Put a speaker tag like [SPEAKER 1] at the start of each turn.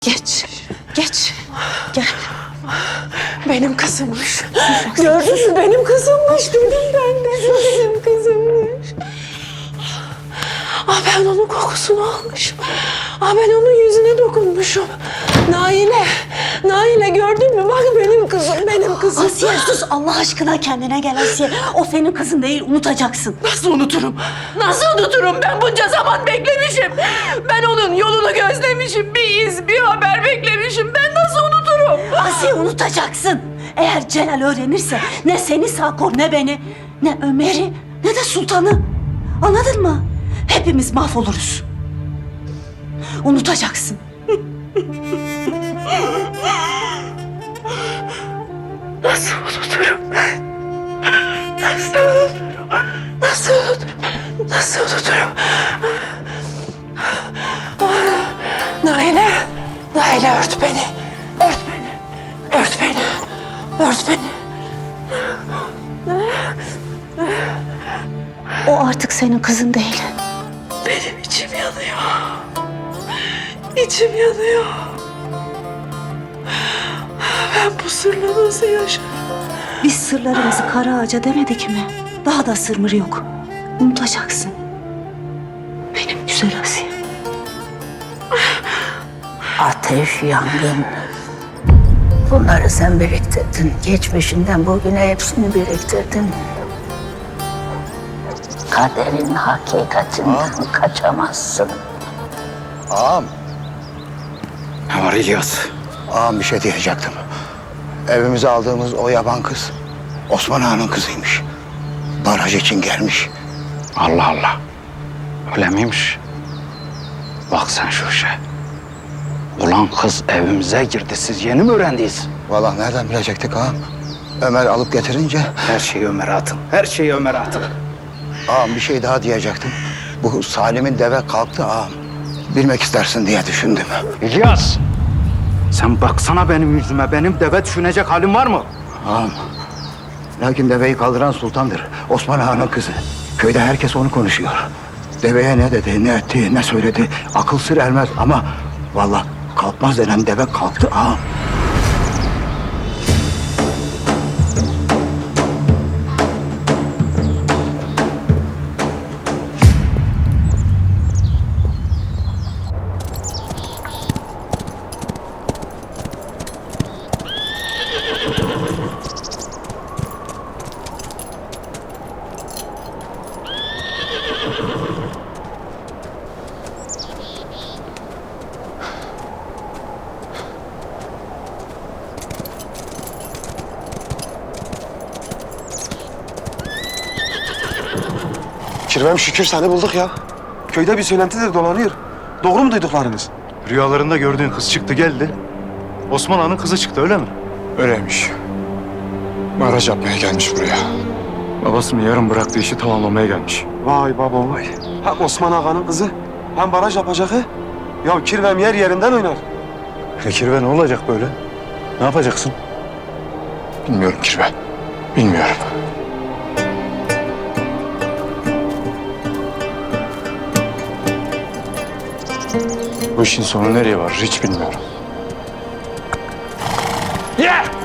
[SPEAKER 1] Geç, geç. Gel. Benim kızımmış. Gördün mü? Benim kızımmış dedim ben de. Benim kızımmış. Ben onun kokusunu almışım. Ben onun yüzüne dokunmuşum. Naile gördün mü? Bak benim kızım, benim kızım.
[SPEAKER 2] Asiye sus Allah aşkına, kendine gel Asiye. O senin kızın değil, unutacaksın.
[SPEAKER 1] Nasıl unuturum? Nasıl unuturum? Ben bunca zaman beklemişim. Ben onun yolunu gözlemişim. Bir iz, bir haber beklemişim. Ben nasıl unuturum?
[SPEAKER 2] Asiye unutacaksın. Eğer Celal öğrenirse ne seni sağ kor, ne beni, ne Ömer'i, ne de Sultan'ı. Anladın mı? Hepimiz mahvoluruz. Unutacaksın.
[SPEAKER 1] Nasıl unuturum ben? Nasıl unuturum? Nasıl unuturum? Nasıl unuturum? Naile ört beni. Ört beni. Ört beni. Ört beni.
[SPEAKER 2] O artık senin kızın değil.
[SPEAKER 1] Benim içim yanıyor. İçim yanıyor. Ben bu sırla nasıl yaşarım?
[SPEAKER 2] Biz sırlarımızı kara ağaca demedik mi? Daha da sırmır yok. Unutacaksın. Benim güzel Asiye.
[SPEAKER 3] Ateş, yangın. Bunları sen biriktirdin. Geçmişinden bugüne hepsini biriktirdin. Kaderin hakikatinden kaçamazsın.
[SPEAKER 4] Ağam.
[SPEAKER 5] Ne var İlyas?
[SPEAKER 4] Ağam bir şey diyecektim. Evimize aldığımız o yaban kız Osman Ağa'nın kızıymış. Baraj için gelmiş.
[SPEAKER 5] Allah Allah. Öyle miymiş? Bak sen şu işe. Ulan kız evimize girdi. Siz yeni mi öğrendiniz?
[SPEAKER 4] Vallahi nereden bilecektik ağam? Ömer alıp getirince
[SPEAKER 5] Her şeyi Ömer'e atın. Her şeyi Ömer'e atın.
[SPEAKER 4] ağam bir şey daha diyecektim. Bu Salim'in deve kalktı ağam. Bilmek istersin diye düşündüm.
[SPEAKER 5] İlyas! Sen baksana benim yüzüme. Benim deve düşünecek halim var mı?
[SPEAKER 4] Ağam. Lakin deveyi kaldıran sultandır. Osman Ağa'nın kızı. Köyde herkes onu konuşuyor. Deveye ne dedi, ne etti, ne söyledi akıl sır ermez ama vallahi kalkmaz denen deve kalktı ağam.
[SPEAKER 6] Kirvem şükür seni bulduk ya. Köyde bir söylenti de dolanıyor. Doğru mu duyduklarınız?
[SPEAKER 7] Rüyalarında gördüğün kız çıktı geldi. Osman Ağa'nın kızı çıktı öyle mi?
[SPEAKER 8] Öyleymiş. Baraj yapmaya gelmiş buraya. Babasının yarım bıraktığı işi tamamlamaya gelmiş.
[SPEAKER 6] Vay baba vay. Hem Osman Ağa'nın kızı hem baraj yapacak he. Ya Kirvem yer yerinden oynar.
[SPEAKER 7] Kirve ne olacak böyle? Ne yapacaksın?
[SPEAKER 8] Bilmiyorum Kirve. Bilmiyorum. Bu işin sonu nereye varır hiç bilmiyorum.
[SPEAKER 5] Yeah!